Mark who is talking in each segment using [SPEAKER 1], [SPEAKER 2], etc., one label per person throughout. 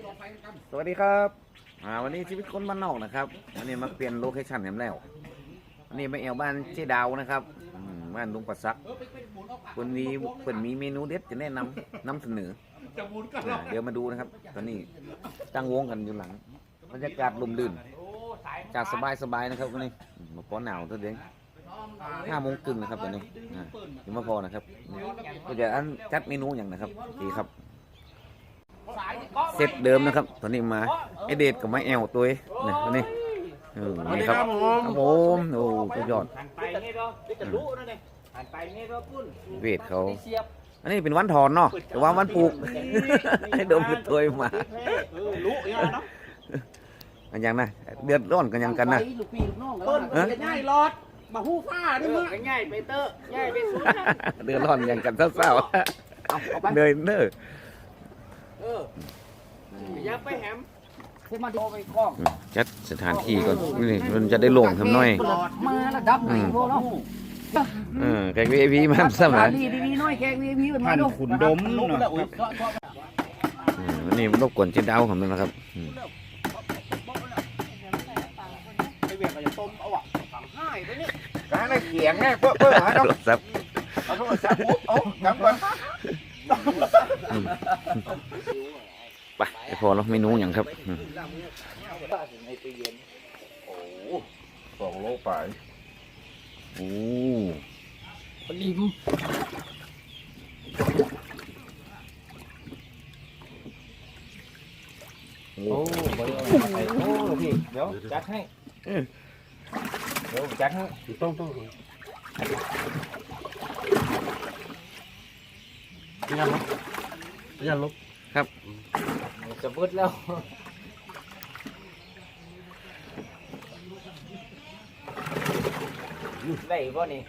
[SPEAKER 1] สวัสดีครับวันนี้ชีวิตคนบ้านนอกนะครับวันนี้มาเปลี่ยนโลเคชั่นแหมแล้ววันนี้มาแอวบ้านเจ๊ดาวนะครับบ้านลุงปัสซักวันนี้เปิดมีเมนูเด็ดจะแนะนำเสนอเดี๋ยวมาดูนะครับตอนนี้ตั้งวงกันอยู่หลังบรรยากาศลมลื่นจากสบายนะครับวันนี้มาป้อนหนาวตัวเด้ง5 โมงครึ่งนะครับตอนนี้ยังไม่พอนะครับก็จะจัดเมนูอย่างนะครับดีครับเซตเดิมนะครับตอนนี้มาไอเดดกับไม้แอลตัวนี่ตอนนี้นี่ครับครับผมโอ้สุดยอดเวทเขาอันนี้เป็นวันถอนเนาะแต่ว่าวันปลูกให้ดมเป็นตัวมาอันยังนะเดือดร้อนกันยังกันนะ
[SPEAKER 2] ง่ายรอดมาหู้ฟ้านี่มั้งง่ายไปเตอร์ง่ายไปสุด
[SPEAKER 1] เดือดร้อนยังกันเศร้าๆเนยเนอ
[SPEAKER 2] อย่าไปแหมให้มาดูไปคล้อง
[SPEAKER 1] จัดสถานที่ก่อนนี่มันจะได้โล่งทำน้อย
[SPEAKER 2] มาระดับไหนพวกเนาะ
[SPEAKER 1] แขก VIP มันซ้ำหลาย
[SPEAKER 2] ดีน้อยแขก VIP มันมาดู
[SPEAKER 3] ขุนดม
[SPEAKER 1] วันนี้รบกวนเจ๊ดาวผมนึงนะครับ
[SPEAKER 2] ไปเวียนก็จะต้มเอาอ่ะฝังง่ายไปนี่
[SPEAKER 3] การได้เขียงไงเพื่อหาดอก
[SPEAKER 1] ซับ
[SPEAKER 3] เอาโทรศัพท์โอ้กำก่อน
[SPEAKER 1] ไปพอแล้วเมนูอย่างครับ
[SPEAKER 3] 2 โลไป
[SPEAKER 1] โอ้
[SPEAKER 2] ลิม
[SPEAKER 3] โอ้พี่เดี๋ยวจัดให้เดี๋ยวจัดให้ต้องยันลบ
[SPEAKER 1] ครับ
[SPEAKER 2] จะมืดแล้วได้ป่ะนี่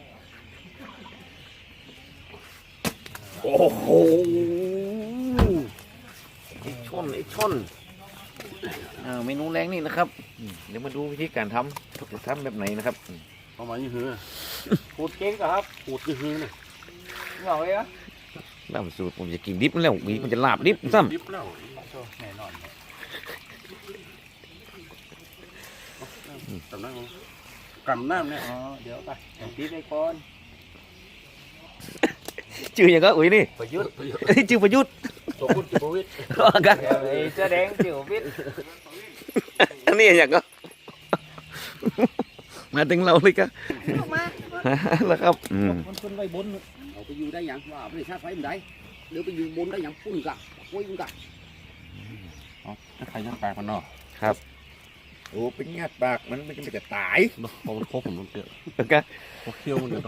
[SPEAKER 1] โอ้โหไอ้ช่อนเมนูแรงนี่นะครับเดี๋ยวมาดูวิธีการทำจะทำแบบไหนนะครับ
[SPEAKER 3] ประมาณนี้คือ
[SPEAKER 2] ขูดเก่งครับ
[SPEAKER 3] ขูดนี่คือเนี่ย
[SPEAKER 2] เหงาเลยอ่ะ
[SPEAKER 1] ลาบสูตรผมจะกินดิบแล้วมันจะลาบดิบซ้ำ
[SPEAKER 3] ดิบแล้วแน่นอนกำน้ำเนี่ย
[SPEAKER 2] เดี๋ยวไปดิบไปก่อน
[SPEAKER 1] ชื่ออย่างก็อุ้ยนี่
[SPEAKER 2] ประยุทธ์
[SPEAKER 1] ชื่อประยุทธ์
[SPEAKER 3] ตัวคุณจิประวิทย์
[SPEAKER 1] กัน
[SPEAKER 2] เสื้อแดงจิประวิทย์
[SPEAKER 1] อันนี้อย่างก็มาถึงเราเลยก็แล้วครับ
[SPEAKER 2] คนไปบนเอาไปอยู่ได้ยังว่าไม่ได้ชาติไฟมันได้เดี๋ยวไปอยู่บนได้ยังพุ่นกะคุยกะ
[SPEAKER 3] ใครยัดปากมันเนาะ
[SPEAKER 1] ครับ
[SPEAKER 3] โอ้เป็นงัดปากมันไม่จะตายพอมันครบผมมันเกี่ยว
[SPEAKER 1] กัน
[SPEAKER 3] พอเคี้ยวมันเดี๋ยว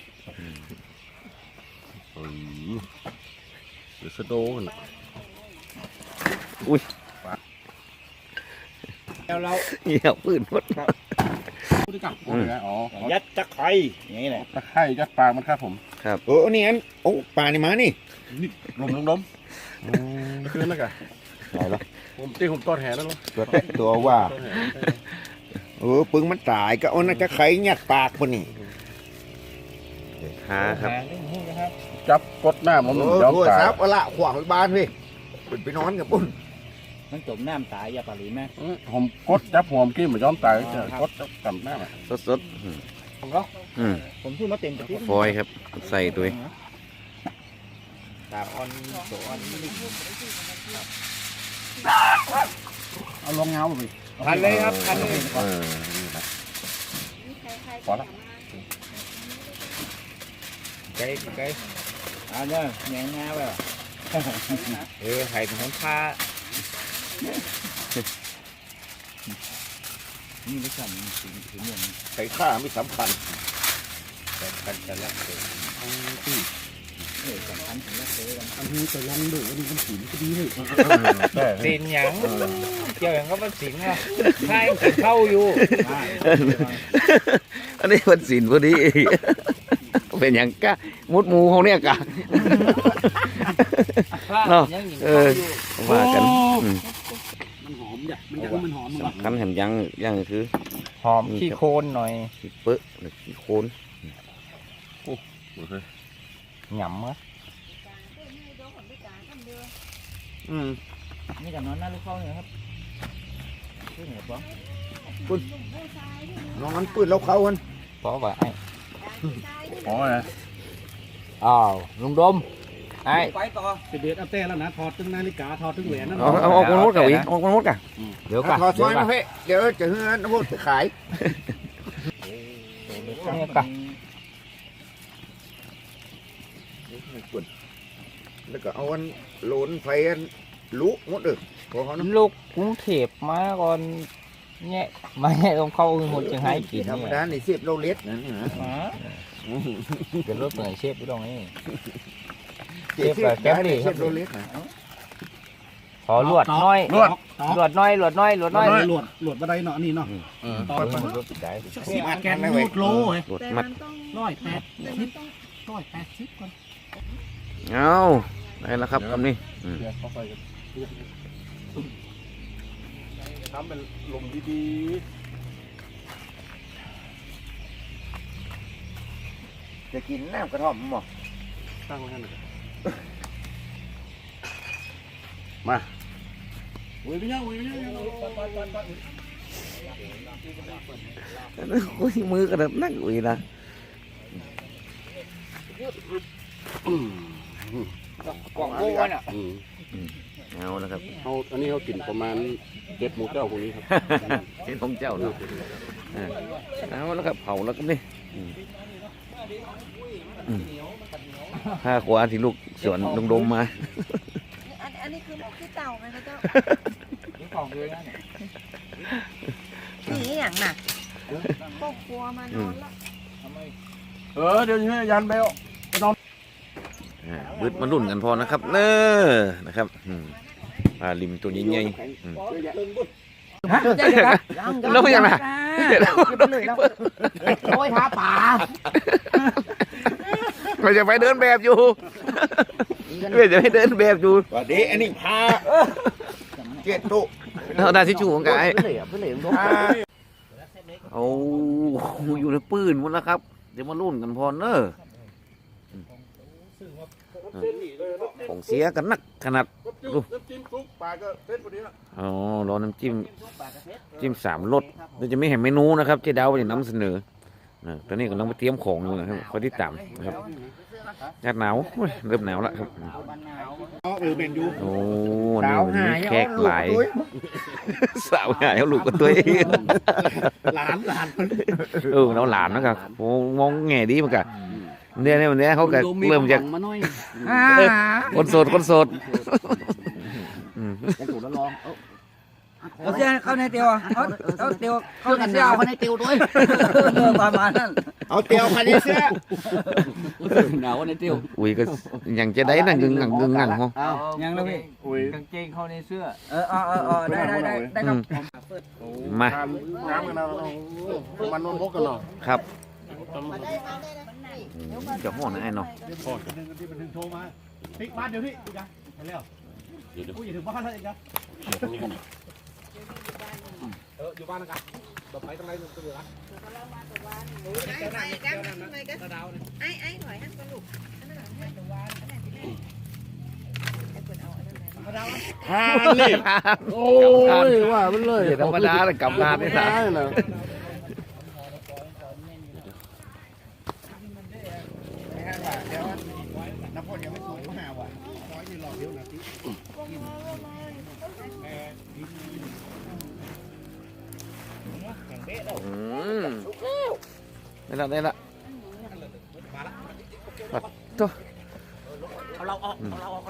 [SPEAKER 3] เดี๋ยวสะโดกัน
[SPEAKER 1] อุ้ย
[SPEAKER 2] แล้วเรา
[SPEAKER 1] เหี้ยปืนหมด
[SPEAKER 3] ยัดตะไคร้อย่างนี้แหละตะไคร้ยัดปากมันครับผม
[SPEAKER 1] ครับ
[SPEAKER 3] นี่อันโอ้ปลานี่มานี่ล้มขึ้นแล้วกัน
[SPEAKER 1] ไหนล่ะ
[SPEAKER 3] ผมตีผมต้นแห่แล้ว
[SPEAKER 1] ตัวว่าปึ้งมันตายก็เอาน่าจะไข่ยัดปากคนนี้ครับ
[SPEAKER 3] จับกดหน้ามันยอมตาย
[SPEAKER 1] ซับละขวางบ้านพี่ไปนอนกับปุ้น
[SPEAKER 2] มันจมน้ำตายอย่าปารีแม่
[SPEAKER 3] ผมกดจับหัวมันกินเหมือนยอมตายกดกับหน้า
[SPEAKER 1] สด
[SPEAKER 2] ผมก็ผมพูดมาเต็มที่
[SPEAKER 1] ฟอยครับใส่ตัว
[SPEAKER 2] ตาออนโซออน
[SPEAKER 3] เอาลงเงาไป
[SPEAKER 2] พันเลยครับพันเลย
[SPEAKER 3] พอแล้ว
[SPEAKER 2] ไก่เนี่ยแหนงงาไป
[SPEAKER 1] ไข่ของผ้า
[SPEAKER 2] นี่ไม่สำคัญถึงอย่าง
[SPEAKER 3] ไข่ข้าไม่สำคัญ
[SPEAKER 2] จะรักเธอที่สำคัญถึงรักเธอ
[SPEAKER 3] อันนี้จะลองดูอันนี้มันสีก็ดีเลย
[SPEAKER 2] สินหยังเกี่ยวอย่างก็มันสินอ่ะใช่เข้าอยู่
[SPEAKER 1] อันนี้มันสินพอดีเป็นอย่างกะมุดมูเขาเนี่ยกะเนาะว่ากัน
[SPEAKER 2] มันหอมจ้ะมันหอม
[SPEAKER 1] สำคัญเห็นยังคือ
[SPEAKER 2] หอมขี้โคนหน่อย
[SPEAKER 1] ขี้เปื้อหรือขี้โคน
[SPEAKER 2] หยำมั้ย
[SPEAKER 3] นี่กับนอนหน้าลูกเข้าเนี่ยครับชื่อเหนือป้อง
[SPEAKER 1] น้องมันปืนเราเขากัน
[SPEAKER 3] ป้อว่าไอ้
[SPEAKER 1] อ๋อนะ
[SPEAKER 3] อ้าวลุงดมไอ้
[SPEAKER 2] ไปต่อ
[SPEAKER 4] เด็ดเอาแต่แล้วนะถอดถึงนาฬิกาถอดถึงแหวนนั่น
[SPEAKER 1] เอาคนโน้ตกับอีกเอาคนโน้ตกับ
[SPEAKER 3] เดี๋ยวก่อน
[SPEAKER 1] ถอดซอยมาเพ่เดี๋ยวจะเฮือนพูดขาย
[SPEAKER 3] นี่ก่อน
[SPEAKER 1] แล้วก็เอาอันโหลนไฟอันลุหมดเลยพอเขานะ
[SPEAKER 3] ลูกกรุงเทพมาก่อนเนี่ยมาเนี่ยต้องเข้าหมดจังให้กิน
[SPEAKER 1] ธรรม
[SPEAKER 3] เนี่ย
[SPEAKER 1] ดาในเสียบเราเล็ดนะ
[SPEAKER 3] เป็นรถเหนื่อยเชฟอยู่ตรงนี้
[SPEAKER 1] เสียบเราเล็ดนะ
[SPEAKER 3] ขอลวดน้อยลวดน้อยลวดน้อยลวดน้อย
[SPEAKER 4] หลวดบันไดเนาะนี่เนาะ
[SPEAKER 3] ต่อไปรถได้
[SPEAKER 4] สิบแกนรูดโลเฮ้ย
[SPEAKER 1] หลด
[SPEAKER 5] แต่
[SPEAKER 1] มั
[SPEAKER 5] มั
[SPEAKER 1] ด
[SPEAKER 5] นต้อง
[SPEAKER 4] 180ก่อน
[SPEAKER 1] เอาได้แล้วครับคำนี้
[SPEAKER 4] ทำเป็นลมดี
[SPEAKER 1] จะกินน้ำกระท่อมมั้ง
[SPEAKER 4] ๆตั้งไว้ให้หน่อย
[SPEAKER 1] โอ้ยมือกระดับนั่งอุ้ยนะ
[SPEAKER 2] กล่องโบ้น่ะ
[SPEAKER 1] เอาแล้วครับ
[SPEAKER 4] เอาอันนี้เขากินประมาณ7 หมูเจ้าพวกนี้ครับ
[SPEAKER 1] เห็นของเจ้าเนาะเอาแล้วครับเผาแล้วก็นี่ผ้าขวาที่ลูกสวนลงดมมา
[SPEAKER 5] อันนี้คือหมกที่เต่าไหมคะเจ้า
[SPEAKER 3] นี่ของเลยนะเนี่ย
[SPEAKER 5] นี่อย่างน่ะครอบครัวมานอนแล้ว
[SPEAKER 4] เดี๋ยวให้ยันเบล
[SPEAKER 1] บึดมาลุ่นกันพอนะครับเนอนะครับปลาลิมตัวใหญ่ๆแล้วยังไง
[SPEAKER 2] โอ้ยท้าป่า
[SPEAKER 1] เราจะไปเดินแบบอยู่เราจะไปเดินแบบอยู่วันนี้อันนี้พาเจ็ดตุเราได้ที่ชูของกายเอาอยู่ในปืนหมดแล้วครับเดี๋ยวมาลุ่นกันพอเนอของเสียกันนักขนาดดู
[SPEAKER 4] น้ำจิ้มซุปปลาก็เผ็ดพอดีละ
[SPEAKER 1] อ๋อรอน้ำจิ้ม3 รสเราจะไม่เห็นเมนูนะครับเจ๊ดาวจะนำเสนอตอนนี้กำลังไปเตรียมของอยู่นะครับคอยที่ต่ำนะครับอากาศหนาวเริ่มหนาวแล้วครับ
[SPEAKER 4] เมนยู
[SPEAKER 1] โอ้นี่วันนี้แขกหลายสาวหายเอาลูกกับตัวเอง
[SPEAKER 4] หลาน
[SPEAKER 1] เราหลานนะครับโอ้มองแง่ดีเหมือนกันเนี่ยวันนี้เขาก็เริ่มจาก
[SPEAKER 2] มาหน่อย
[SPEAKER 1] คนโสด
[SPEAKER 2] จะถูกแล้วลอง
[SPEAKER 6] เอาเสียเข้าในเตียวเอาเตียวเข้า
[SPEAKER 2] เพื่อ
[SPEAKER 6] ใน
[SPEAKER 2] กัน
[SPEAKER 6] เสีย
[SPEAKER 2] ดาวเขาในติวด้วย
[SPEAKER 6] ประมาณนั้น
[SPEAKER 1] เอาเตียวคันนี้เสื้อ
[SPEAKER 2] หนาวในติว
[SPEAKER 1] อุ้ยก็ยังจะได้นั่งกึ่งงังเหรอ
[SPEAKER 6] ยังนะพี่
[SPEAKER 3] กางเกงเข้าในเสื้อ
[SPEAKER 6] ได้ครับ
[SPEAKER 1] มา
[SPEAKER 4] น้ำกันนะมันนวลพกกันเนาะ
[SPEAKER 1] ครับจะห่อนะไอ้เนาะ
[SPEAKER 4] ที่มันถึงโทรมาติ๊กบ้านเดี๋ยวพี่จ้ะไปแล้วกูอย่าถึงบ้านแล้วเองจ้ะอยู่บ้านนะครับแบบไปตรงไหนตรงไหน
[SPEAKER 5] ไอ้หน่อยนั่นก็ลูกอันนั้นอันนั้นอันนั้นที่แม่ไอ้คนเอาอันนั้นไหน
[SPEAKER 4] นี่โอ้ยว่ามันเลย
[SPEAKER 1] ธรรมดาเลยกลับมาไม่ได้
[SPEAKER 4] นะ
[SPEAKER 1] ได้ละปัดตัว
[SPEAKER 2] เอาเราออก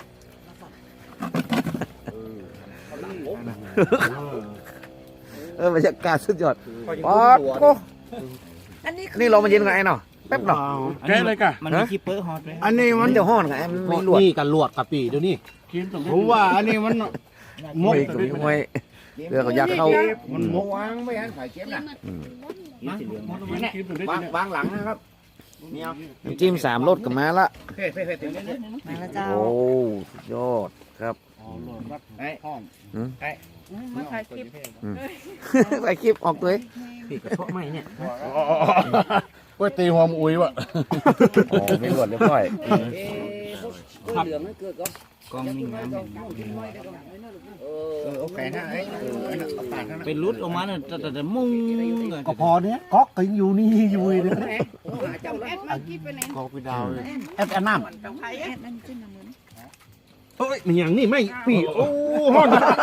[SPEAKER 1] บรรยากาศสุดยอดป๊อดโอ้
[SPEAKER 5] อันนี้
[SPEAKER 1] นี่เรามาเย็นกับไอ้เนาะแป๊บเนาะ
[SPEAKER 4] แกเลยกะ
[SPEAKER 6] มันมีคีเปอร์ฮอตไหม
[SPEAKER 4] อันนี้
[SPEAKER 1] มั
[SPEAKER 4] มันน
[SPEAKER 1] จะห่อนกับไอ้มันไม่ลวด
[SPEAKER 4] นี่กันลวดกับปีเดี๋ยวนี้ผมว่าอันนี้มันมก
[SPEAKER 1] ไม่เรือเขาอยากเข้า
[SPEAKER 4] มันมก
[SPEAKER 2] วางไม่หันฝ่ายเก็บนะ
[SPEAKER 4] วางหลังนะครับ
[SPEAKER 1] น้ำจิ้ม3 รสกับมาละ
[SPEAKER 5] มาแล้วเจ้า
[SPEAKER 1] โอ้สุดยอดครับ
[SPEAKER 5] มาถ่ายคลิป
[SPEAKER 1] ไปคลิปออกตัว
[SPEAKER 4] ก๋วยตีหัวมอุ้ยวะ
[SPEAKER 1] อ๋อไม่ลวดเรียบร้อย
[SPEAKER 2] เหลืองนั่นเกิดก็
[SPEAKER 6] กองมีน้ำ
[SPEAKER 4] โอเคนะไอ้ปาดนะ
[SPEAKER 6] เป็นรุดออกมาเนี่ยแต่มุ้ง
[SPEAKER 4] ก็พอเนี้ยก๊อกก็อยู่นี่อยู่เลย
[SPEAKER 5] ก็ไปดาวเลย
[SPEAKER 4] แอดน้ำ
[SPEAKER 3] เฮ้ยมันอย่างนี้ไม่ปีโอ้ห้อน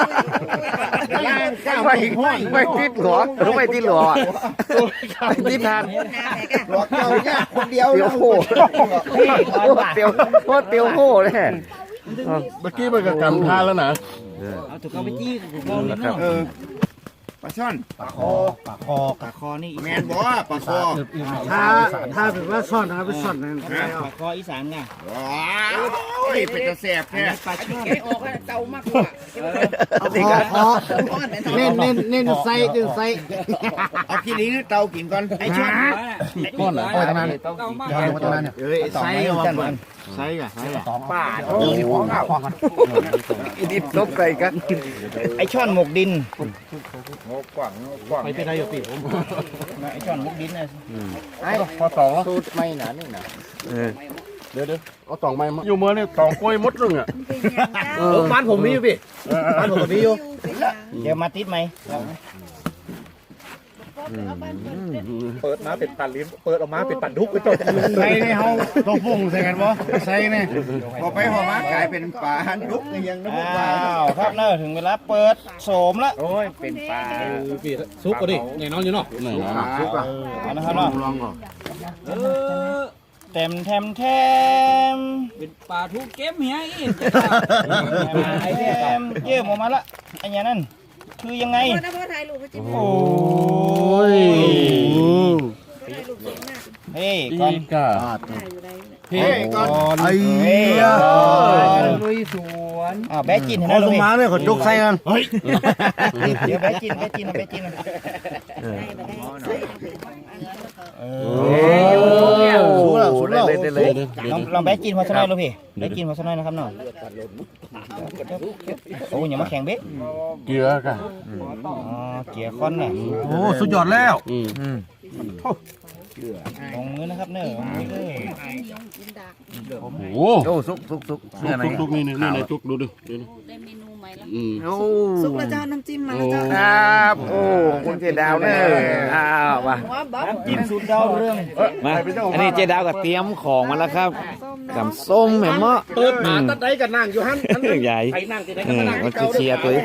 [SPEAKER 1] ไม่ติดหรอไม่ติดหรอไม่ติดทาน
[SPEAKER 4] หลอกเจ้าเนี่ยคนเดียว
[SPEAKER 1] เตียวโหเตียวโคตรเตียวโหเลย
[SPEAKER 5] เมื่อกี้มันก็กำท่าแล้วนะ
[SPEAKER 6] เอาถูกเอาไปจี้ถูกเอาเลยเนาะ
[SPEAKER 4] ปลาช่อนปลาคอ
[SPEAKER 6] ปากคอนี่
[SPEAKER 4] แมนบ่ปลาคอ
[SPEAKER 3] ถ้าเป็นว่าซ่อนนะครับเป็นซ่อนนั่น
[SPEAKER 6] ปากคออีสานไง
[SPEAKER 4] ว้าวเป็นตะแสบแท้
[SPEAKER 6] ปลาช่อน
[SPEAKER 5] ออกเต่ามากกว่า
[SPEAKER 1] เอาสิครับ
[SPEAKER 3] เน้นใส่
[SPEAKER 4] เอาขี้ลิ้นเตากินก่อนไอ้ช่อน
[SPEAKER 6] ก้อนเหรอ
[SPEAKER 4] เอาตรงนั้น
[SPEAKER 6] ต้องมา
[SPEAKER 4] เอาตรงนั้นเนี่ย
[SPEAKER 3] ใส่เอาก่อนใส่อะ
[SPEAKER 4] ป้าโอ้ยของข้าวของ
[SPEAKER 1] อีดิบลบใส่กัน
[SPEAKER 6] ไอช่อนหมกดิน
[SPEAKER 3] ไปได้อยู่ปีผม
[SPEAKER 6] ไอช่อนหมกดินนะ
[SPEAKER 5] ไอ้พอสองสูตรไม่หนานี่นะเดี๋ยวเอาตองไม่อยู่เมื่อนี่ตองกล้วยมดรึงอ่ะ
[SPEAKER 3] บ้านผมมีอยู่พี่บ้านผมมีอยู่
[SPEAKER 6] เดี๋ยวมาติดไหม
[SPEAKER 3] เปิดมาเป็นปันลิ้นเปิดออกมาเป็นปันทุกไปจบ
[SPEAKER 4] ใส่ในเฮาตัวฟุ้งใส่กันบ่ใส่เนี่ยพอไปพอมากลายเป็นปลาดุกยังนึกว่า
[SPEAKER 6] อ้าวครับเนอะถึงเวลาเปิดโสมแล้ว
[SPEAKER 4] โอ้ยเป็นปลา
[SPEAKER 3] พี่ซุปก็ดิแน่นอนอยู่เนาะ
[SPEAKER 4] ซุกอ่ะ
[SPEAKER 6] เอานะครับเนาะ
[SPEAKER 4] ลองก่อน
[SPEAKER 6] เต็มเป็นปลาทุกเก็บเฮียอีกเยี่ยมออกมาละไอ้เนี่ยนั่นคือยังไง
[SPEAKER 5] นะพ่อถ่ายรูปให้จิ้ม
[SPEAKER 6] โอ้ย
[SPEAKER 5] ถ่ายรูปสวยมาก
[SPEAKER 6] เฮ้ยก่อน
[SPEAKER 5] ถ่ายอยู่ไร
[SPEAKER 4] เฮ้ยก่อน
[SPEAKER 6] เฮ้ยลุยสวนแบะจินเห็นไหมลุง
[SPEAKER 4] มาเนี่ยเขายกใส่กัน
[SPEAKER 6] เดี๋ยวแบะจิน
[SPEAKER 5] ได้มาได้ใส่ไป
[SPEAKER 1] สู้แล้วเลยเลย
[SPEAKER 6] ลองแบะจินพอสักหน่อยลูกพี่แบะจินพอสักหน่อยนะครับเนาะโอ้ยอย่ามาแข่งเบ๊ะ
[SPEAKER 5] เกลือกัน
[SPEAKER 6] อ๋อเกียร์คอนน่ะ
[SPEAKER 4] โอ้สุดยอดแล้ว
[SPEAKER 6] ลงมือนะครับเนอะลงมือเลย
[SPEAKER 5] โอ้
[SPEAKER 1] โอ้ซุก
[SPEAKER 5] ทุกนี่นี่ในทุกดูดิ
[SPEAKER 7] ได้เมนูใหม่แล้ว
[SPEAKER 1] โอ้
[SPEAKER 5] ซุปแล้วเจ้าน้ำจิ้มมาแล้วเจ้า
[SPEAKER 1] ครับโอ้คุณเจดาวเนี่ยอ้าวมา
[SPEAKER 5] หัวบ๊อบ
[SPEAKER 6] จิ้มสูตรดาวเรื่อง
[SPEAKER 1] มาอันนี้เจดาวก็เตรียมของมาแล้วครับกำส้มเห็นมั้ย
[SPEAKER 3] เปิดมาตัดได้กันนั่งอยู่ฮั่น
[SPEAKER 1] ใหญ่
[SPEAKER 3] ไปนั่งที่ไหนก็นั่ง
[SPEAKER 1] มันเชียร์ตัว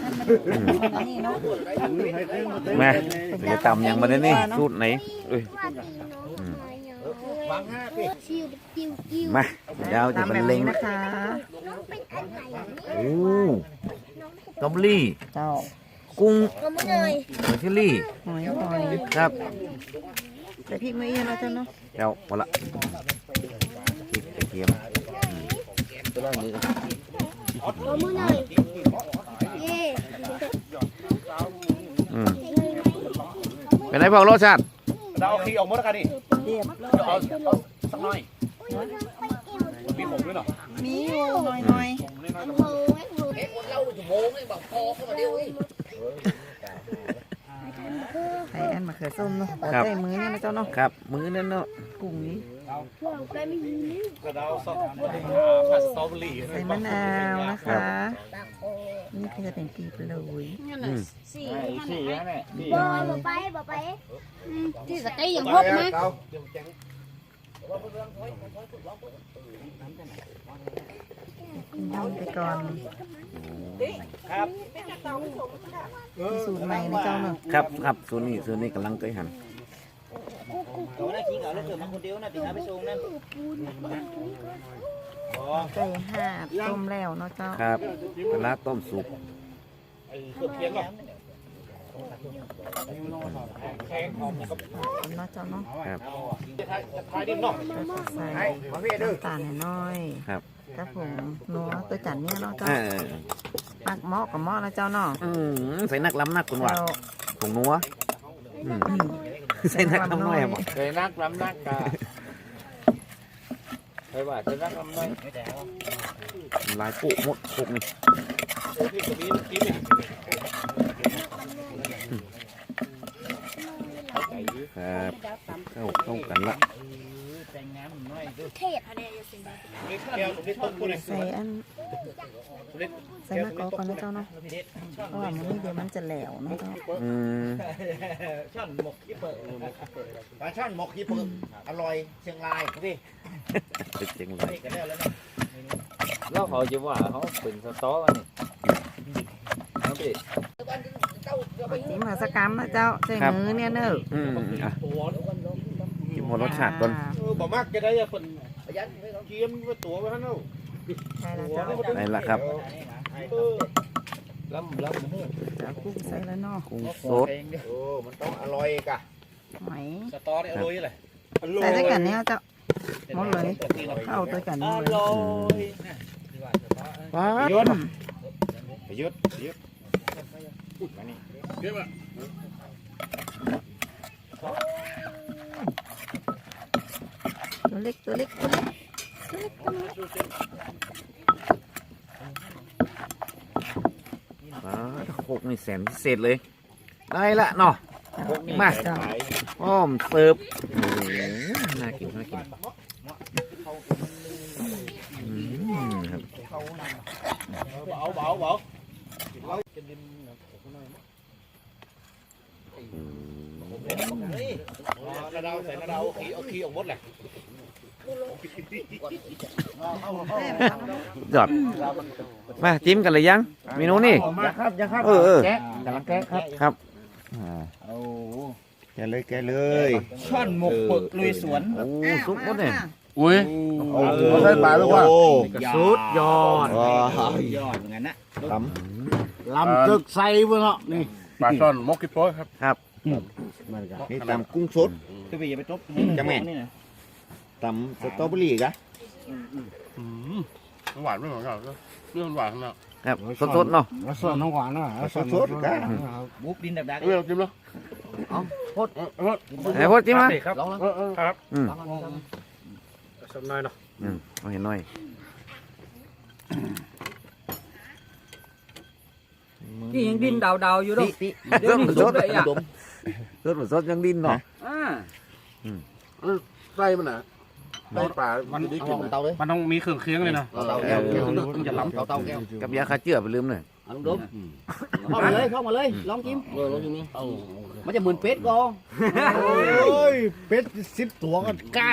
[SPEAKER 1] มาจะตำยังมาได้นี่สูตรไหนมาเดี๋ยวจะบรรเลง
[SPEAKER 5] นะคะ
[SPEAKER 1] โอ้ตอมลี่
[SPEAKER 6] เจ้า
[SPEAKER 1] กุ้งหอยเชอรี่
[SPEAKER 5] หอยหอย
[SPEAKER 1] ครับ
[SPEAKER 5] แต่พริกไม่เยอะแล้วเจ้าเนาะ
[SPEAKER 1] เจ้าหมดละพริกกระเทียมเป็นไรพอรสชาติ
[SPEAKER 3] เราเอาขี้ออกหมดแล้วกันดิ
[SPEAKER 5] เรียบ
[SPEAKER 3] เอาสักหน่อยมีผมด้วยเนาะ
[SPEAKER 5] มีอยู่หน่อยไอ้อันมะเขือส้มเนาะใส่มือเนี่ยนะเจ้าเนาะ
[SPEAKER 1] ครับมือนั่นเนาะ
[SPEAKER 5] กุ้งนี้
[SPEAKER 3] กระดาษซอสผัดสตรอเบอรี่
[SPEAKER 5] ใส่มะนาวนะคะนี่คือจะเป็นปีบเลย
[SPEAKER 7] สี่
[SPEAKER 6] สี่แล้วเนี่ย
[SPEAKER 7] บ่ไปที่สตีอย่างพบนะ
[SPEAKER 5] ทำไปก่อน
[SPEAKER 6] ครับ
[SPEAKER 5] สูตรใหม่นะเจ้าเนาะ
[SPEAKER 1] ครับส่วนนี้กำลังเคยหั่น
[SPEAKER 6] ตัวนั้นขี้เหงาแล้วเกิดมาคนเดียวนะติดหาไปส่งนั่น
[SPEAKER 5] ไก่ห่าต้มแล้วเนาะเจ้า
[SPEAKER 1] ครับปลาต้มสุก
[SPEAKER 5] เนาะเจ้าเนาะ
[SPEAKER 1] ครับ
[SPEAKER 3] ท้ายดินเนาะ
[SPEAKER 5] ใส่น้ำตาลน้อย
[SPEAKER 1] ครับ
[SPEAKER 5] ครับผมนัวตัวจันเนี่ยเนาะเจ้า
[SPEAKER 1] อ่า
[SPEAKER 5] ปักหม้อกับหม้อนะเจ้าเนาะ
[SPEAKER 1] ใส่นักล้ำนักคุณว่า
[SPEAKER 5] เรา
[SPEAKER 1] ผงนัวใส่นักล้ำน้อยบ่
[SPEAKER 5] ใส่นักล้ำนักกะ
[SPEAKER 6] ไปว่าจะรักลำน้อย
[SPEAKER 1] ลายโป๊ะหมดพวกนี้ครับเข้ากันละ
[SPEAKER 5] ใส่อันใส่มะกอกก่อนนะเจ้าเนาะเพราะว่ามันนี่เดี๋ยวมันจะแหลวเนาะเจ้า
[SPEAKER 6] ช่อนหมกขี้เปิด
[SPEAKER 4] ปลาช่อนหมกขี้ปึกอร่อยเชียงรายพี่
[SPEAKER 1] เป็นเจ๋งเลย
[SPEAKER 4] กันแล้วนะ
[SPEAKER 3] แล้วเขาจะว่าเขาเป็นสต๊อกอันนี้ครับพี่
[SPEAKER 5] จิ้มหาสกรรมนะเจ้าใส่มือเนี่ยเนอะ
[SPEAKER 1] อ่ะกินหมดรสชาติก่อน
[SPEAKER 4] บ่มากจะได้คนเกียมตัวไว้ให้เนาะ
[SPEAKER 5] ใช่แล้วเจ้า
[SPEAKER 1] ได้ละครับ
[SPEAKER 3] ล้ำ
[SPEAKER 5] เจ้ากุ้งใส่แล้วเนาะ
[SPEAKER 1] กุ้งสด
[SPEAKER 4] โอ้มันต้องอร่อยกะ
[SPEAKER 5] หอย
[SPEAKER 4] สตอเนี่ยอร่อยเลย
[SPEAKER 5] ใส่ด้วยกันเนี่ยเจ้าหมดเลยเข้าด้วยกันหมดเลย
[SPEAKER 1] ว้า
[SPEAKER 4] ยุดยุดยุด
[SPEAKER 5] ตัวเล็กตัวเล็กตัวเล็กตัวเล็กตัวเล็ก
[SPEAKER 1] ว้าโคกนี่แสนพิเศษเลย ได้ละเนาะมา
[SPEAKER 5] เจ้า
[SPEAKER 1] อ้อมเสิร์ฟโอ้โหน่ากินน่ากินครับ
[SPEAKER 4] เบาเบา กระดาษใส่กระดาษเอาขี้ออกหมดแหละ
[SPEAKER 1] ยอดมาจิ้มกันเลยยังเมนูนี่
[SPEAKER 4] ยังครับยังครับ
[SPEAKER 1] เออ
[SPEAKER 4] แกะกำลังแกะครับ
[SPEAKER 1] ครับ
[SPEAKER 4] แกะเลย
[SPEAKER 6] ช่อนหมกเปิดลุยสวน
[SPEAKER 1] โอ้ซุปหมดเนี่ย
[SPEAKER 4] อุ้ยเอาใส่ปลาหรือว่า
[SPEAKER 6] สุดยอด
[SPEAKER 4] ย
[SPEAKER 6] ยอดเหมือนกันนะ
[SPEAKER 4] ลำตึกใส่เว้ยเนาะนี่
[SPEAKER 8] ปลาช่อนมกกิ๊บโป้ครับ
[SPEAKER 1] ครับ
[SPEAKER 4] นี่ตำกุ้งสด
[SPEAKER 6] ตัวพี่อย่าไปตบ
[SPEAKER 4] จังแม่
[SPEAKER 6] นี่นะ
[SPEAKER 4] ตำสตรอเบอรี่กะ
[SPEAKER 8] หวานไม่เหมือนกันเรื่องหวานนะ
[SPEAKER 1] ครับสดๆเนาะ
[SPEAKER 4] สดน้ำหวานเนาะสดกะ
[SPEAKER 6] บุกดินดับดัก
[SPEAKER 8] เรื่องจิ้มแล้ว
[SPEAKER 1] ไอ้พดจิ้มมา
[SPEAKER 8] ครับครับ
[SPEAKER 1] อืม
[SPEAKER 8] สักหน่อยเนาะ
[SPEAKER 1] เอาเห็นหน่อย
[SPEAKER 6] นี่ยังดินดาวๆอยู่ด้วย
[SPEAKER 1] เดี๋ยวนี้สดเลยอ่ะสดยังดิ้นเนาะ
[SPEAKER 8] ไส้มันน่ะไส้ปลามันได้กิน
[SPEAKER 4] เตาเลย
[SPEAKER 8] มันต้องมีเครื่องเคียงเลยนะ
[SPEAKER 4] เตาแก้ว
[SPEAKER 8] ต้องจะล้ำ
[SPEAKER 4] เตาแก้ว
[SPEAKER 1] กับยาฆ่าเชื้อไปลืมเลย
[SPEAKER 2] เอาลุงเข้ามาเลยเข้ามาเลยลองจิ้มลองจิ้มนี่มันจะเหมือนเป็ดก็
[SPEAKER 4] โอ้ยเป็ด10 ตัวกันก้าน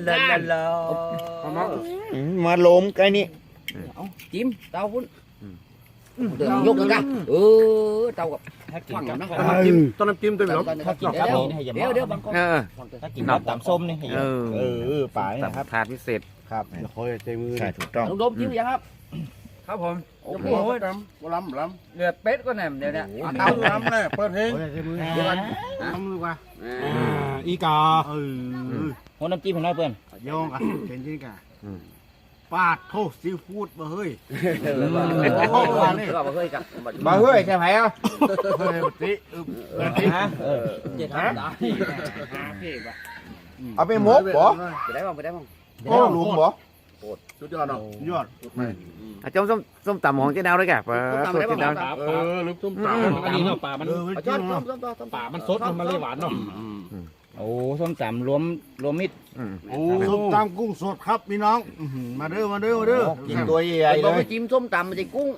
[SPEAKER 4] มาลมไก่นี่
[SPEAKER 2] จิ้มเตาพุ่นเดี๋ยวยกกันเตากับฟังนะ
[SPEAKER 8] ต้นน้ำจิ้มตัวนี้
[SPEAKER 6] ถ้ากินครับนี่ให้อย่า
[SPEAKER 2] เดี๋ยวบางคน
[SPEAKER 6] ถ้ากินแบบตำส้มนี่ให้อย่า
[SPEAKER 4] ป่าย
[SPEAKER 1] ตับถาดพิเศษ
[SPEAKER 4] ครับคอยใจมือใช่ถูกต้อง
[SPEAKER 2] ลุงดมจิ้มยังครับ
[SPEAKER 6] ครับผม
[SPEAKER 8] โอ้โหล้ำล้ำ
[SPEAKER 6] เลือดเป็ดก็แหนมเดี๋ยวนี้
[SPEAKER 8] เต้าล้ำเลยเปิดเพลง
[SPEAKER 4] ใจมือ
[SPEAKER 2] เดี๋ยวกัน
[SPEAKER 8] ล้ำดีกว่า
[SPEAKER 4] อีกา
[SPEAKER 6] หัวน้ำจิ้มให้น้อยเพื่อน
[SPEAKER 4] ยองอ่ะเป็นจริงกะปาดโทษซีฟู้ดมาเฮ้ย
[SPEAKER 2] ก็มาเคยกับ
[SPEAKER 4] มาเฮ้ยใช่ไหมอ่ะเฮ้ยติ
[SPEAKER 6] ฮะจะทำได้
[SPEAKER 4] เอาไปหมกบ่
[SPEAKER 2] ไปได้บ้างไปได้บ้าง
[SPEAKER 4] โอ้ลุงบ่
[SPEAKER 8] สุดยอดเนาะ
[SPEAKER 4] ยอด
[SPEAKER 1] อาจารย์ส้มตำของเจ๊ดาวด้วยแกปะสูตรเจ๊ดาว
[SPEAKER 8] ลึกตุ้มตาอันนี้เนาะปลามัน
[SPEAKER 2] จอด
[SPEAKER 8] ปลามันสดมันเลยหวานเนาะ
[SPEAKER 6] โอ้ส้มตำรวมมิตร
[SPEAKER 8] โอ้
[SPEAKER 4] ส้มตำกุ้งสดครับพี่น้องมาเด้อมาเด้อมาเด้อกินตัวใหญ่ๆ
[SPEAKER 2] เรา
[SPEAKER 4] เล
[SPEAKER 2] ไป
[SPEAKER 4] ย
[SPEAKER 2] จิ้มส้มตำมันจะกุ้ง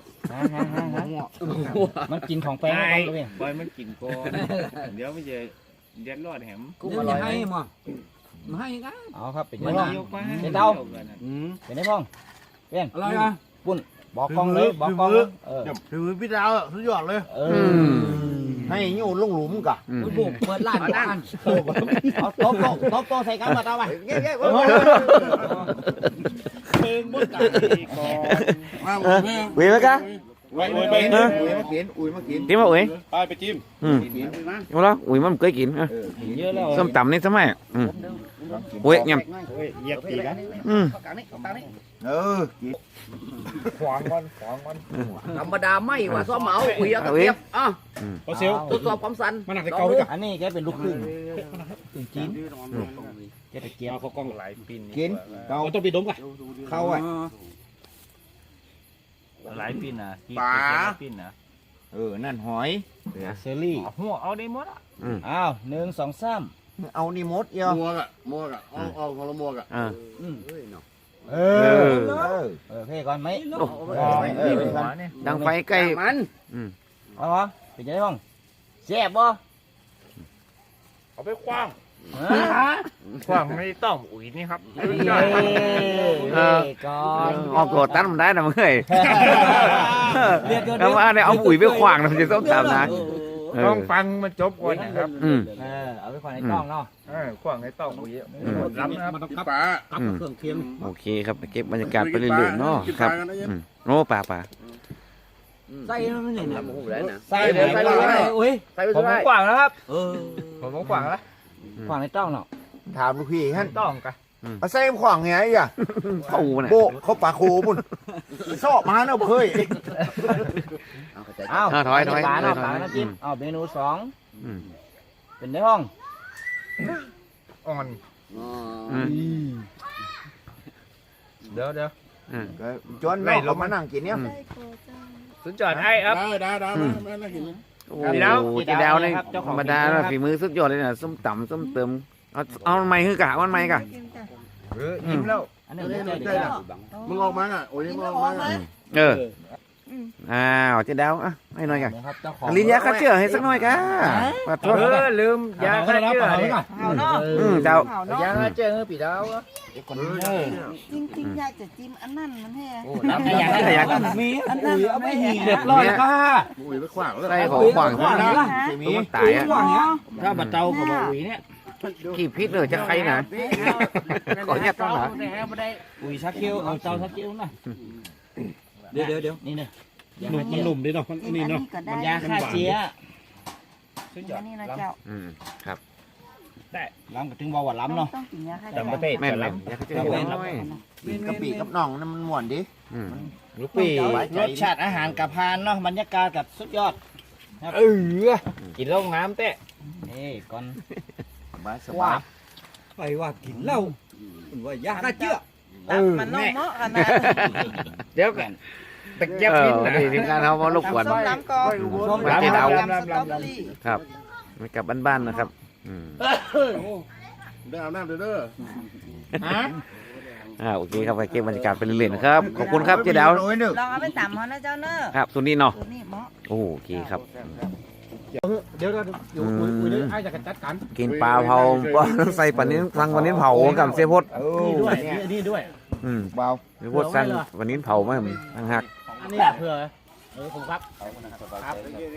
[SPEAKER 6] มันกินของแป้งแล้วก็พี่
[SPEAKER 3] ปล่อยมันกินก่อนเดี๋ยวไม่จะเดือดร้อนแหม
[SPEAKER 2] กุ้งอร่อยมั้งมาให้กัน
[SPEAKER 6] เอาครับเป็น
[SPEAKER 3] มั
[SPEAKER 6] ยัง
[SPEAKER 3] น
[SPEAKER 6] ไง
[SPEAKER 3] ยกมา
[SPEAKER 6] เป็นเตาเป็นไงพ่องเปี้ยน
[SPEAKER 4] อะไรอ่ะ
[SPEAKER 6] ปุ่นบอกกล้องเลยบอกกล้อง
[SPEAKER 4] ถือพี่ดาวสุดยอดเลย ให้ยูลงหลุมกะ
[SPEAKER 2] บุกเปิดร้านบ้าน
[SPEAKER 6] เอาโต๊ะใส่กันมาเอาไป
[SPEAKER 2] เย้
[SPEAKER 8] เพลงมุดตาก่อน
[SPEAKER 1] อุ้ยไหมกะ
[SPEAKER 8] ไว้ไป
[SPEAKER 4] อุ้ยมากินอุ้ยมากิน
[SPEAKER 1] จิ้มมาอุ้ย
[SPEAKER 8] ไปจิ้ม
[SPEAKER 1] เอาละอุ้ยมันเคยกิน
[SPEAKER 6] เยอะแล้ว
[SPEAKER 1] ส้มตำนี่ทำไมอุ้ยยำ
[SPEAKER 4] เหยียบตีกัน
[SPEAKER 2] กลางนี้กลางนี้
[SPEAKER 4] ขวางมัน
[SPEAKER 2] ธรรมดาไม่ว่าซ้อมเหมาอุ้ยตะเกียบอ่ะ
[SPEAKER 8] โอเซล
[SPEAKER 2] ทดสอบความสั่น
[SPEAKER 8] มันหนักแต่เก่าด้วยกัน
[SPEAKER 6] อันนี้แกเป็นลูกครึ่งจีนแกตะเกียบ
[SPEAKER 8] เขากล้องหลายปี
[SPEAKER 4] กินเกา
[SPEAKER 8] เราต้องไปดมกัน
[SPEAKER 4] เข้าอ่ะ
[SPEAKER 3] หลายปีนะปีนะ
[SPEAKER 1] นั่นหอย
[SPEAKER 6] เซรี่
[SPEAKER 3] หัวเอาได้หมดอ่ะ
[SPEAKER 6] อ้าว1 2 3
[SPEAKER 4] เอานี่มดเอียว
[SPEAKER 8] มัวกะเอาของเรามัวกะ
[SPEAKER 1] อ่า
[SPEAKER 3] เออเพ่ก่อนไหม
[SPEAKER 1] โอ้ ดังไฟใกล้
[SPEAKER 2] มัน
[SPEAKER 3] เอาวะเป็นยังไงบ้างแซ่บบ่
[SPEAKER 8] เอาไปคว้าง
[SPEAKER 3] ฮะ
[SPEAKER 8] คว้างไม่ต้องอุ้ยนี่ครับ
[SPEAKER 3] เฮ้ก่อน
[SPEAKER 1] ออกโกรธตั้นมันได้นะมึงเอ้ย
[SPEAKER 3] เรียกเดี๋ยว
[SPEAKER 1] แล้วว่าเนี่ยเอาปุ๋ยไปขวางนะมันจะต้องทำนะ
[SPEAKER 8] ต้องฟังมันจบก่อนนะครับ
[SPEAKER 3] เอาไปขวางในกล้องเนาะ
[SPEAKER 8] ขว้างให้ต้องอุ้ยล้ำนะครับ
[SPEAKER 4] มันต้องกับเครื่องเคียง
[SPEAKER 1] โอเคครับเก็บบรรยากาศไปเรื่อยๆเนาะครับโอ้ป่า
[SPEAKER 3] ใส่มันนี่นะ
[SPEAKER 2] ใส่เลยใส่เลย
[SPEAKER 3] อุ้ย
[SPEAKER 2] ใส่ไป
[SPEAKER 3] ผม
[SPEAKER 2] เลย
[SPEAKER 3] ขวางแล้วครับ
[SPEAKER 8] ผมขว้างแล้ว
[SPEAKER 3] ขวางในกล้องเนาะ
[SPEAKER 9] ถามลูกพี่ฮั่น
[SPEAKER 8] ต้องกัน
[SPEAKER 9] มาใส่ขวางไงอ่ะ
[SPEAKER 1] เข้าน่ะ
[SPEAKER 9] โบกเขาปากโคมุ่นชอบมาเนอะเฮ้ย
[SPEAKER 3] อ้าว
[SPEAKER 1] ถอย
[SPEAKER 3] ปลาเนาะปลาน้ำจิ้มเอาเมนูสองเป็นได้ห้อง
[SPEAKER 8] อ่อน เดี๋ยว
[SPEAKER 9] จนเราเขามานั่งกินเนี่ย
[SPEAKER 8] สุดยอดไอ้ครับ
[SPEAKER 4] ได้มาเห็น
[SPEAKER 1] โอ้จีดาวนี่ธรรมดาฝีมือสุดยอดเลยนะส้มตำส้มเติมเอาไม้คือกะวันไม้กะ
[SPEAKER 8] ยิ้มแล้ว
[SPEAKER 3] อันนี้ไม่ใช่เด็ก
[SPEAKER 4] มึงออกมาอ่ะโอ้ยมึงออกมา
[SPEAKER 1] อ้าวจีดาวอ่ะให้หน่อยกะ
[SPEAKER 3] นะครับเจ้าของ
[SPEAKER 1] ลิ้นยาฆ่าเชื้อให้สักหน่อยกะขอโทษ
[SPEAKER 8] ลืมยาฆ่าเชื้อ
[SPEAKER 5] เอาเนาะ
[SPEAKER 1] เจ้า
[SPEAKER 5] เอาเนาะ
[SPEAKER 8] ยาฆ่าเชื้อปีดาว
[SPEAKER 5] จริงๆอยากจะจิ้มอันนั้นมันแห้
[SPEAKER 3] น้ำอยากมีอันนั้นไม่มีเรียบร้อยค่ะ
[SPEAKER 4] อุ้ยไปขวางแล้ว
[SPEAKER 1] ใส่ของขวางนะมันตายอ่ะ
[SPEAKER 3] ถ้าบัดเตากับบัดอุ๋ยเนี่ย
[SPEAKER 1] ขี้พิษเลยจะใครนะขอแยกต้องหรอ
[SPEAKER 3] อุ๋ยชักคิ้วเอาเตาชักคิ้วนะเดี๋ยวนี่เนี่ย
[SPEAKER 4] มันหนุ่มดีเนาะนี่เนาะ
[SPEAKER 3] มันยาฆ่าเชื้อ
[SPEAKER 5] อันนี้นะเจ้า
[SPEAKER 1] ครับ
[SPEAKER 3] ล้ำกับถึงบอกว่าล้ำเนาะ
[SPEAKER 5] ต้องกินยาฆ่า
[SPEAKER 8] จำประเทศ
[SPEAKER 1] แม่นเลยยาฆ่าเชื้อน้อย
[SPEAKER 9] กะปิกับน่องนั่นมันม่วนดิ
[SPEAKER 8] ลูกปี
[SPEAKER 3] รสชาติอาหารกับพานเนาะบรรยากาศกับสุดยอด
[SPEAKER 8] กินแล้วน้ำเตะ
[SPEAKER 3] นี่ก่อน
[SPEAKER 9] สบาย
[SPEAKER 6] ไปว่ากินเหล้ามันว่ายาฆ่าเชื้อ
[SPEAKER 5] มันน้องเนาะขนาด
[SPEAKER 8] เดี๋ยวกันตะเกียบกินนะ
[SPEAKER 1] นี่ทีมงานเขามาลูกขวัญ
[SPEAKER 5] ส้มล้ำก่อน
[SPEAKER 1] ร้านเจ๊ดาว
[SPEAKER 5] ยำสตรอเบอรี่
[SPEAKER 1] ครับไม่กลับบ้านๆนะครับ
[SPEAKER 4] ได้อาบน้ำเด้อ
[SPEAKER 1] โอเคครับไปเก็บบรรยากาศไปเรื่อยๆนะครับขอบคุณครับเจ๊ดาว
[SPEAKER 5] ลองเอาไปตำเขานะเจ้าเนอะ
[SPEAKER 1] ครับสุดนี้เนาะ
[SPEAKER 5] ตัวนี้เหมาะ
[SPEAKER 1] โอเคครับ
[SPEAKER 4] เดี๋ยวอยู่คุยไอ้จะจัดการ
[SPEAKER 1] กินปลาเผาใส่ปลานิ้นสั่งปลานิ้นเผากับเสียพด
[SPEAKER 4] นี่ด้วยนี่ด้วย
[SPEAKER 1] เบาเสียพดสั่งปลานิ้นเผามาตั้งหัก
[SPEAKER 4] อันนี้เผื่อผมครับครับ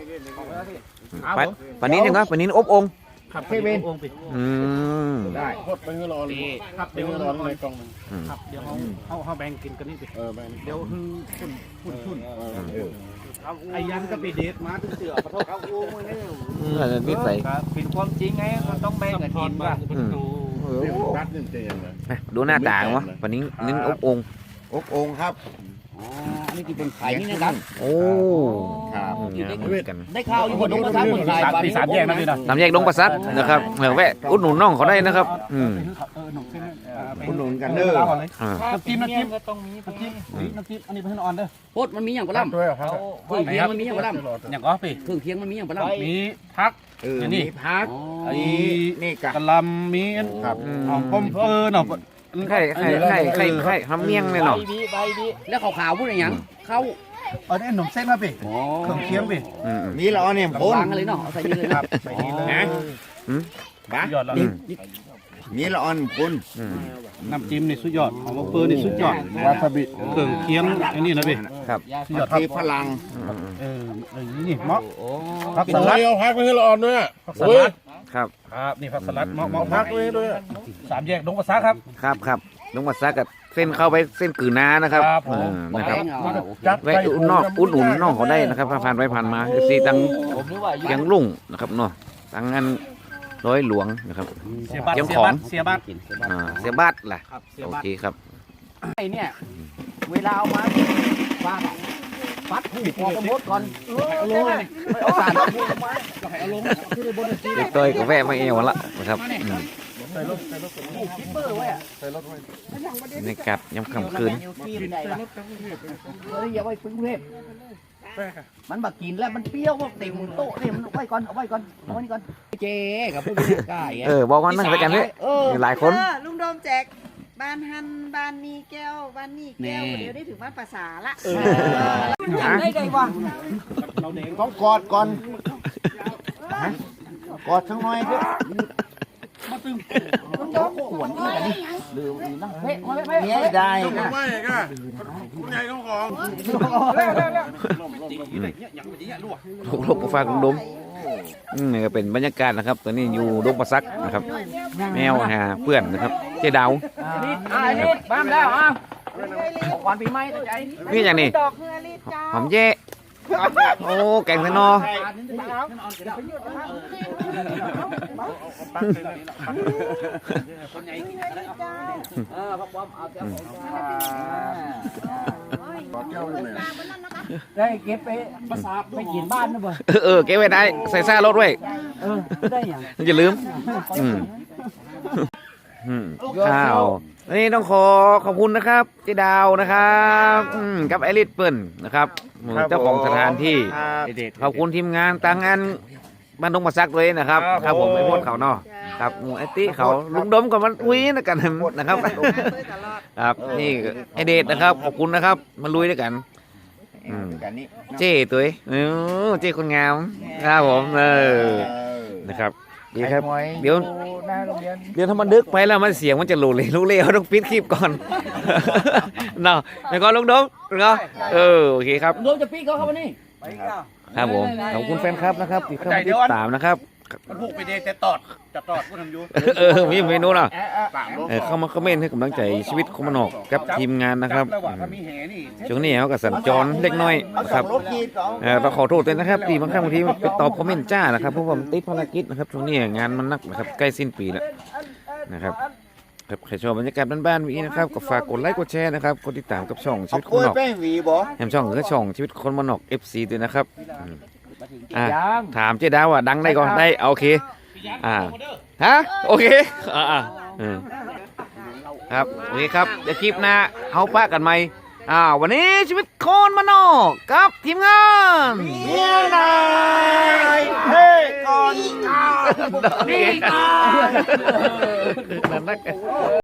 [SPEAKER 1] ปลานิ้นยังไงปลานิ้นอบองค์
[SPEAKER 4] ขับเคเวน
[SPEAKER 8] ได้
[SPEAKER 4] พดไปให้รอเลยครับเดี๋ยวรอในกล่องครับเดี๋ยวเขาแบ่งกินกันนี่สิแบ่งเดี๋ยวหุ่นไอ้ยันก็ไปเดทมาถึงเสือขอโทษครับโอ้ยเนี่ย
[SPEAKER 1] นิสัย
[SPEAKER 3] เป็นความจริงไงมันต้องแบ่งกันกินว่า
[SPEAKER 4] รัดเต็มเลย
[SPEAKER 1] ดูหน้าต่างวะปลานิ้นอบองค์
[SPEAKER 9] อกองครับ
[SPEAKER 3] อันนี้คือเป็นไข่นี่นะครับ
[SPEAKER 1] โอ้
[SPEAKER 9] ครับ
[SPEAKER 1] กัน
[SPEAKER 3] ได้ข่าวอยู่บนนกกระทะบนไข่ปลา
[SPEAKER 4] สามแยกนะพี่นะ
[SPEAKER 1] น้ำแยกดงประสัดนะครับแวะอุดหนุนน้องเขาได้นะครับ
[SPEAKER 9] อุดหนุนกันเด้อ
[SPEAKER 4] น้ำจิ้ม
[SPEAKER 3] ก็ต้องมี
[SPEAKER 4] น้ำจิ้มอันนี้เป็นออนเด้อ
[SPEAKER 2] โพดมันมีอย่างปลาล่ำ
[SPEAKER 4] ด้วยครับ
[SPEAKER 2] เครื่องเคียงมันมีอย่างปลาล่ำ
[SPEAKER 4] อย่างก็ปี
[SPEAKER 2] เครื่องเคียงมันมีอย่างปลาล่ำ
[SPEAKER 4] มีพัก
[SPEAKER 9] นี่พักนี่กะ
[SPEAKER 4] กะลำมีครับหอมป้อมเนาะ
[SPEAKER 1] ไข่ทำเมี่ยงเลยเนาะ
[SPEAKER 3] ใบดี
[SPEAKER 2] แล้วขาวๆพูดอะไรอย่างเขา
[SPEAKER 4] เอาได้ขนมเส้นครับพี่เครื่องเคียงพี่
[SPEAKER 9] มีละออนเนี่ยพ้น
[SPEAKER 2] วางกันเลยเนาะเอาใส่นี่เลยครับ
[SPEAKER 4] ใส่นี่เลยบ้ายอดแล้ว
[SPEAKER 9] มีละออนพ้น
[SPEAKER 4] น้ำจิ้มนี่สุดยอดหอมเปอร์นี่สุดยอดวาซาบิเครื่องเคียงอันนี้นะพี่
[SPEAKER 1] ครับ
[SPEAKER 4] สุดยอดครับ
[SPEAKER 9] มีพลัง
[SPEAKER 4] นี่เหมาะผักสลัดเอาพักไปให้ละออนด้วยผักสลัด
[SPEAKER 1] ครับ
[SPEAKER 4] ครับนี่ผักสลัดเหมาะพักด้วยสามแยกดงกระซ้าครับ
[SPEAKER 1] ครับลงมาซักกับเส้นเข้าไปเส้นกือนานะครับ
[SPEAKER 4] ครับผม
[SPEAKER 1] นะครับ
[SPEAKER 4] จัด
[SPEAKER 1] แวะอุดหนุนน้องเขาได้นะครับผ่านไปผ่านมาซีตัง
[SPEAKER 3] ผมนึกว่า
[SPEAKER 1] เกียงลุ่งนะครับเนาะตังงานร้อยหลวงนะครับ
[SPEAKER 4] เสียบัตร
[SPEAKER 1] เจ้าของ
[SPEAKER 4] เสียบัตร
[SPEAKER 1] เสียบัตรล่ะ
[SPEAKER 4] ครับเสีย
[SPEAKER 1] โอ
[SPEAKER 4] บัตร
[SPEAKER 1] เคครับ
[SPEAKER 2] ไอ้เนี่ยเวลาเอามาฟาดฟัดหูพอประมดก่อนเอาลงเลยเอาสารเอาลงมาเอาลงที่ในบนที่
[SPEAKER 1] เด็กต้อยก็แวะมาเอวละนะครับ
[SPEAKER 2] เปอร์ไว้อะ
[SPEAKER 1] ในกัดยำค่ำคืน
[SPEAKER 2] อย่าไว้ปึ้งเทพมันบักกินแล้วมันเปรี้ยวเต็มโต๊ะนี่มันเอาไว้ก่อนเอาไว้นี่ก่อนเจ๊กับผู้บริการ
[SPEAKER 1] บอกว่านั่งไปกันเนี่ยมีหลายคน
[SPEAKER 5] ลุงโดมแจกใบบ้านฮันบ้านนี้แก้วบ้านนี้แก้วเดี๋ยวได้ถึงบ้านภาษาละ
[SPEAKER 2] จำได้ไงวะ
[SPEAKER 9] ต้องกอดก่อนกอดสักหน่อยดิ
[SPEAKER 2] เนี่ยได้นะ
[SPEAKER 1] ลูกๆก็ฝากลุงดมนี่ก็เป็นบรรยากาศนะครับตอนนี้อยู่ดงประซักนะครับ แมวหาเพื่อนนะครับเจ๊ดาว
[SPEAKER 2] นี่บ้านแล้วอ่ะวันปีใหม่ใจ
[SPEAKER 1] นี่อย่างนี้
[SPEAKER 5] ดอกเฮือรีจ้า
[SPEAKER 1] หอมแย่โอ้แกงไทนอ
[SPEAKER 2] ได้เก็บไปภาษาไปกินบ้านนะบ่
[SPEAKER 1] เก็บไว้ได้ใส่ซ่ารถไว้
[SPEAKER 2] ได้ยัง
[SPEAKER 1] อย่าลืมข้าวนี่ต้องขอบคุณนะครับเจ๊ดาวนะครับกับไอริสเปิ้ลนะครับเจ้าของสถานที่ขอบคุณทีมงานต่างงานบ้านดงมาซักเลยนะครับครับผมไอ้พวกเขาเนาะครับไอ้ติเขาลุงดมกับมันอุ้ยนะกันนะครับครับนี่ไอเดชนะครับขอบคุณนะครับมาลุยด้วยกันเจ้ตัวเจ้คนงามครับผมนะครับดีครับเดี๋ยวถ้ามันดึกไปแล้วมันเสียงมันจะหลุดเลยรู้เลยต้องปิดคลิปก่อนเนาะแล้วก็ลุงดมเนาะโอเคครับ
[SPEAKER 2] รวมจะปีเขาเข้ามานี่
[SPEAKER 1] ครับผมขอบคุณแฟนครับนะครับที่เข้ามาติดตามนะครับ
[SPEAKER 4] มันผูกไปเดแต่ตอดจะตอดกูทำอยู่
[SPEAKER 1] มีเมนูเนาะเข้ามาคอมเมนต์ให้กำลังใจชีวิตคนมันออกกับทีมงานนะครับ
[SPEAKER 4] ถ้ามีแห่นี่
[SPEAKER 1] ช่วงนี้เขาก็สัญจรเล็กน้อยนะครับต้องขอโทษด้วยนะครับที่บางครั้งบางทีไปตอบคอมเมนต์จ้านะครับเพราะว่าผมติดภารกิจนะครับช่วงนี้งานมันนักนะครับใกล้สิ้นปีแล้วนะครับครับใครชอบบรรยากาศบ้านๆนี้นะครับก็ฝากกดไลค์กดแชร์นะครับกดติดตามกับช่องชีวิตคนมันออก
[SPEAKER 9] แป้งหวีบ่
[SPEAKER 1] แฮมช่องคือช่องชีวิตคนมันออก FC ด้วยนะครับถามเจ๊ดาวว่าดังได้ก่อนได้โอเคฮะโอเคครับโอเคครับเดี๋ยวคลิปหน้าเอาปะกันไหมวันนี้ชีวิตคนมันออกกับทีมงาน
[SPEAKER 9] นายเฮ้ก่อน
[SPEAKER 1] นี่